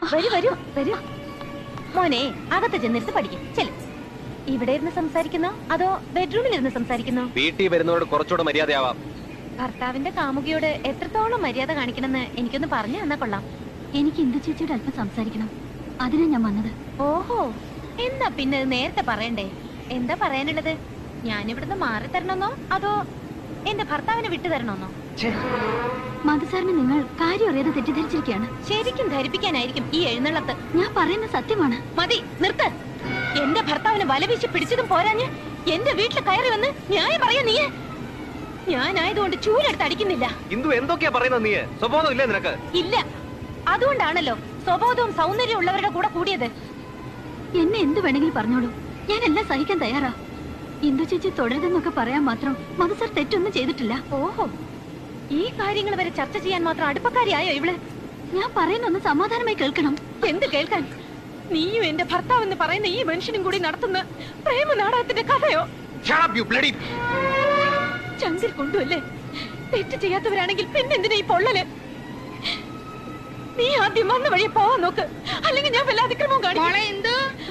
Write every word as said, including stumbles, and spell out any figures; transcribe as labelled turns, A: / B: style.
A: വരൂ വരൂ വരൂ. മോനെ അകത്ത് ചെന്നിരുന്ന് പഠിക്കും. ചെല്ലും. ഇവിടെ ഇരുന്ന് സംസാരിക്കുന്നോ അതോ ബെഡ്റൂമിൽ ഇരുന്ന് സംസാരിക്കുന്നോ?
B: വീട്ടിൽ വരുന്നവരോട് കുറച്ചുകൂടെ മര്യാദയാവാം.
A: ഭർത്താവിന്റെ കാമുകിയോട് എത്രത്തോളം മര്യാദ കാണിക്കണമെന്ന് എനിക്കൊന്ന് പറഞ്ഞു തന്നാ കൊള്ളാം.
C: എനിക്ക് ഇന്ദു ചേച്ചിയോട് അല്പം സംസാരിക്കണം, അതിനാ ഞാൻ വന്നത്.
A: ഓഹോ, എന്താ പിന്നെ നേരത്തെ പറയണ്ടേ? എന്താ പറയാനുള്ളത്? ഞാനിവിടുന്ന് മാറി തരണമെന്നോ അതോ എന്റെ ഭർത്താവിനെ വിട്ടു തരണമെന്നോ?
C: മധുസാറിന് നിങ്ങൾ കാര്യം അറിയാതെ തെറ്റിദ്ധരിച്ചിരിക്കുകയാണ്.
A: ശരിക്കും ധരിപ്പിക്കാനായിരിക്കും ഈ എഴുന്നള്ളത്ത്.
C: ഞാൻ പറയുന്ന സത്യമാണ്.
A: മതി, നിർത്ത്. എന്റെ ഭർത്താവിനെ വലവീശി പിടിച്ചതും പോരാഞ്ഞ് എന്റെ വീട്ടിൽ കയറി വന്ന് ന്യായം പറയാ നീ. ഞാനായതുകൊണ്ട് ചൂലെടുത്ത് അടിക്കുന്നില്ല.
B: ഇന്ദു എന്തൊക്കെയാ പറയുന്നത്? നീ സ്വഭാവം ഇല്ലേ നിനക്ക്?
A: ഇല്ല, അതുകൊണ്ടാണല്ലോ സ്വബോധവും സൗന്ദര്യവും ഉള്ളവരുടെ കൂടെ കൂടിയത്.
C: എന്നെ എന്ത് വേണമെങ്കിലും പറഞ്ഞോളൂ, ഞാൻ എല്ലാം സഹിക്കാൻ തയ്യാറാ. ഇന്ദു ചേച്ചി തുടരുതെന്നൊക്കെ പറയാൻ മാത്രം മധുസാർ തെറ്റൊന്നും ചെയ്തിട്ടില്ല.
A: ഓഹോ, ഈ കാര്യങ്ങൾ വരെ ചർച്ച ചെയ്യാൻ മാത്രം അടുപ്പക്കാരിയായോ ഇവള്?
C: ഞാൻ പറയുന്നൊന്ന് സമാധാനമായി കേൾക്കണം.
A: എന്ത് കേൾക്കാൻ? നീയും എന്റെ ഭർത്താവ് എന്ന് പറയുന്ന ഈ മനുഷ്യനും കൂടി നടത്തുന്ന പ്രേമ നാടകത്തിന്റെ കഥയോ? ചങ്കിൽ കൊണ്ടുവല്ലേ? തെറ്റ് ചെയ്യാത്തവരാണെങ്കിൽ പിന്നെന്തിനാ ഈ പൊള്ളല്? നീ ആദ്യം വന്ന വഴിയെ പോവാൻ നോക്ക്, അല്ലെങ്കിൽ ഞാൻ വല്ല അതിക്രമവും കാണിക്കും.